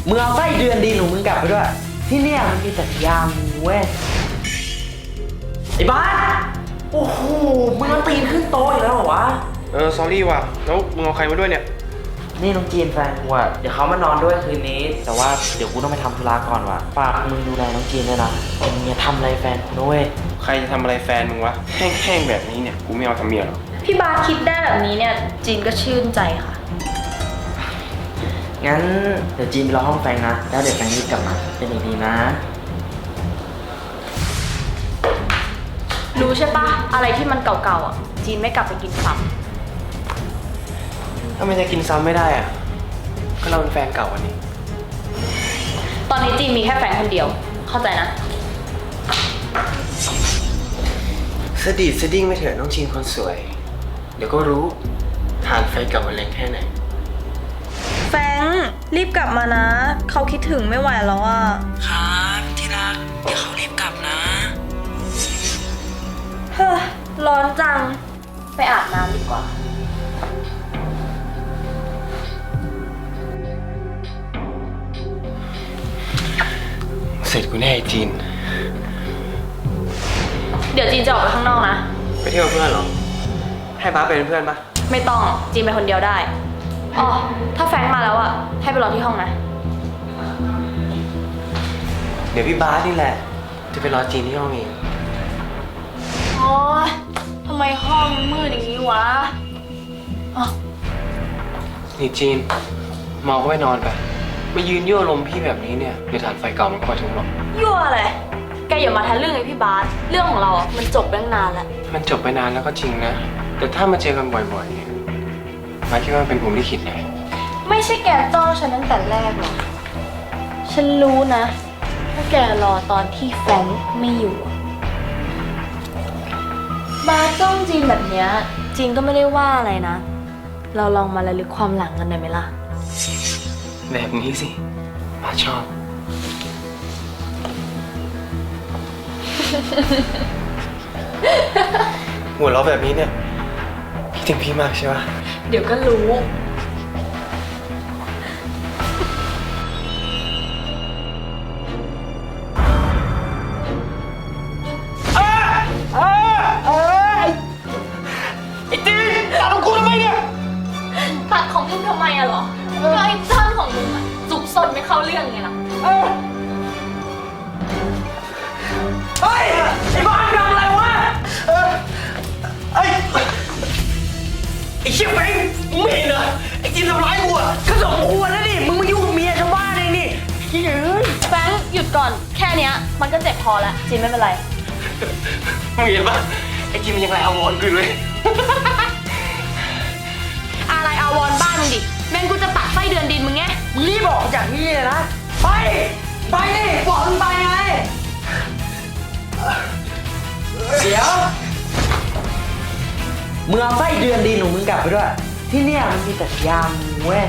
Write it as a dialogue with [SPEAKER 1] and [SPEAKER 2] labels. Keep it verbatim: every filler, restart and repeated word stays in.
[SPEAKER 1] มึงเอาไส้เดือนดีหนูมึงกลับไปด้วยที่เนี่ยมันมีแต่ยาหมูเว้ยไอ้บ้าโอ้โหมึงมาตีนขึ้นโต๊ะอีกแล้วเหรอวะ
[SPEAKER 2] เออ sorry ว่ะแล้วมึงเอาใครมาด้วยเนี่ย
[SPEAKER 1] นี่น้องจีนแฟนกูอะเดี๋ยวเขามานอนด้วยคืนนี้แต่ว่าเดี๋ยวกูต้องไปทำธุระก่อนว่ะฝากมึงดูแลน้องจีนด้วยนะมึงอย่าทำอะไรแฟนกูนะเว้ย
[SPEAKER 2] ใครจะทำอะไรแฟนมึงวะแห้งๆแบบนี้เนี่ยกูไม่เอาทำเมียหรอก
[SPEAKER 3] พี่บาสคิดได้แบบนี้เนี่ยจีนก็ชื่นใจค่ะ
[SPEAKER 1] งั้นเดี๋ยวจีนไปรอห้องแฟนนะแล้วเดี๋ยวแฟนรีบกลับมาเป็นอย่างดีนะ
[SPEAKER 3] รู้ใช่ปะอะไรที่มันเก่าๆอ่ะจีนไม่กลับไปกินซ้ำ
[SPEAKER 2] ถ้าไม่จะกินซ้ำไม่ได้อ่ะก็เราเป็นแฟนเก่าวันนี้
[SPEAKER 3] ตอนนี้จีนมีแค่แฟนคนเดียวเข้าใจนะ
[SPEAKER 2] สดีดสดิ้งไม่เถอะน้องจีนคนสวยเดี๋ยวก็รู้ทานไฟเก่ามันแรงแค่ไหน
[SPEAKER 3] แฟงรีบกลับมานะเขาคิดถึงไม่ไหวแล้วอ่ะ
[SPEAKER 1] ครับที่รักเดี๋ยวเขารีบกลับนะ
[SPEAKER 3] เฮ้อร้อนจังไปอาบน้ำดีกว่า
[SPEAKER 2] เสร็จกูแน่ไอ้จีน
[SPEAKER 3] เดี๋ยวจีนจะออกไปข้างนอกนะ
[SPEAKER 2] ไปเที่ยวเพื่อนเหรอให้บ้าเป็นเพื่อนปะ
[SPEAKER 3] ไม่ต้องจีนไปคนเดียวได้อ๋อถ้าแฟงมาแล้วอ่ะให้ไปรอที่ห้องนะ
[SPEAKER 2] เดี๋ยวพี่บ้านี่แหละจะไปรอจีนที่ห้องเอง
[SPEAKER 3] โอ๊ยทำไมห้องมืดอย่างนี้วะอ๋อ
[SPEAKER 2] นี่จีนเมาก็ไปนอนไปมายืนยั่วลมพี่แบบนี้เนี่ยเดี๋ยวฐานไฟเก่ามันก็มาทุบหรอก
[SPEAKER 3] ยั่วอะไรแกอย่ามาทันเรื่องไอ้พี่บาสเรื่องของเราอ่ะมันจบไปตั้งนานแล้ว
[SPEAKER 2] มันจบไปนานแล้วก็จริงนะแต่ถ้ามาเจอกันบ่อยๆเนี่ยมาคิดว่าเป็นผมที่คิดไง
[SPEAKER 3] ไม่ใช่แกจ้องฉันตั้งแต่แรกหรอกฉันรู้นะว่าแกรอตอนที่แฟรงค์ไม่อยู่บาสจ้องจีนแบบเนี้ยจีนก็ไม่ได้ว่าอะไรนะเราลองมาระลึกความหลังกันได้ไหมล่ะ
[SPEAKER 2] แบบนี้สิมาชอบหัวเราะแบบนี้เนี่ยพี่ถึงพี่มากใช่ปะ
[SPEAKER 3] เดี๋ยวก็รู้
[SPEAKER 2] ไอ้จีนตัดของกูทำไมเนี่ย
[SPEAKER 3] ตัดของมึงทำไมอะเหรอก็ไอ้จ้างของมึงอะจุกซนไม่เข้าเรื่องไงล่ะ
[SPEAKER 1] เฮ้ยไอ้บ้าทำอะไรวะเออไอ้ไอ้เชี่ยแฟงมึงไม่เห็นเหรอไอ้จีนทำร้ายกูอ่ะก็สมควรแล้วนี่มึงมายุ่งกับเมียชาวบ้านเลยนี่เฮ้ย
[SPEAKER 3] แฟงหยุดก่อนแค่เนี้ยมันก็เจ็บพอแล้วจีนไม่เป็นไร
[SPEAKER 2] มึงเห็นปะไอ้จีนมันยังไงเอาวอนกูเลย
[SPEAKER 3] อะไรอาวรบ้านมึงดิแม่งกูจะตัดไส้เดือนดินมึงไง
[SPEAKER 1] มึงรีบบอกจากนี่เลยนะไปไปดิบอกมึงไปไงเดี๋ยวมึงเอาไส้เดือนดีหนูมึงกลับไปด้วยที่เนี่ยมันมีแต่ยาหมูเว้ย